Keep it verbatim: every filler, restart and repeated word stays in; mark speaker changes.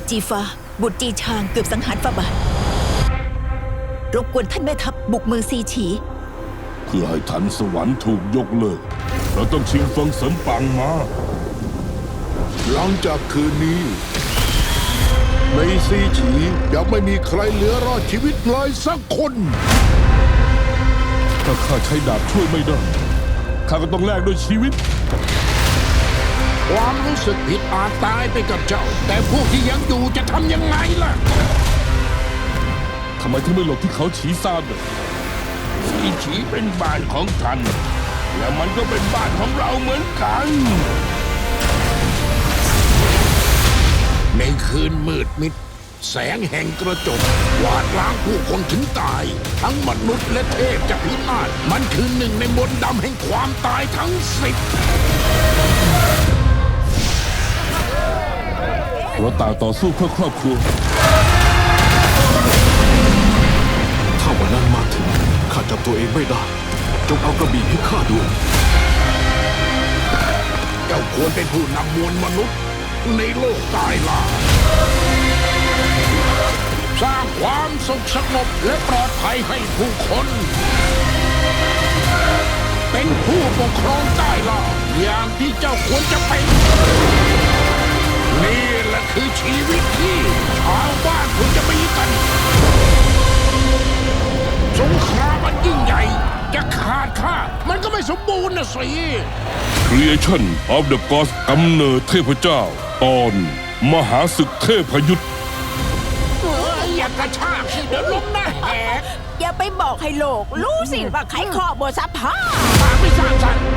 Speaker 1: จีฟ้าบุตรจีชางเกือบสังหารฝ่าบาทรบกวนท่านแม่ทัพบุกเมืองซีฉี
Speaker 2: เพื่อให้ทันสวรรค์ถูกยกเลิกเราต้องชิงเฟิงเสริมปังมาหลังจากคืนนี้ในซีฉีจะไม่มีใครเหลือรอดชีวิตเลยสักคนถ้าข้าใช้ดาบช่วยไม่ได้ข้าก็ต้องแลกด้วยชีวิตความรู้สึกผิดอาจตายไปกับเจ้าแต่พวกที่ยังอยู่จะทำยังไงล่ะทำไมถึงไม่หลบที่เขาฉีซานซีฉีเป็นบ้านของท่านและมันก็เป็นบ้านของเราเหมือนกันในคืนมืดมิดแสงแห่งกระจกวาดล้างผู้คนถึงตายทั้งมนุษย์และเทพจะพินาศมันคือหนึ่งในมนต์ดำแห่งความตายทั้งสิบเราต่างต่อสู้เพื่อครอบครัว
Speaker 3: ถ้าวันนั้นมาถึงข้าจับตัวเองไม่ได้จงเอากระบี่ให้ข้าด้วย
Speaker 2: เจ้าควรเป็นผู้นำมวลมนุษย์ในโลกตายล่าสร้างความสุขสงบและปลอดภัยให้ผู้คนเป็นผู้ปกครองใต้ล่าอย่างที่เจ้าควรจะเป็นนี่แหละคือชีวิตที่ชาวบ้านควรจะมีกันสงครามมันยิ่งใหญ่จะขาดข้ามันก็ไม่สมบูรณ์นะสิ Creation of the Gods กำเนิดเทพเจ้าตอนมหาศึกเทพยุทธอย่ากระชากสิเดี๋ยวล้มหน้าแหก
Speaker 1: อย่าไปบอกให้โลกรู้สิว่าใครข้อบทสภา
Speaker 2: ปากไม่สร้างสรรค์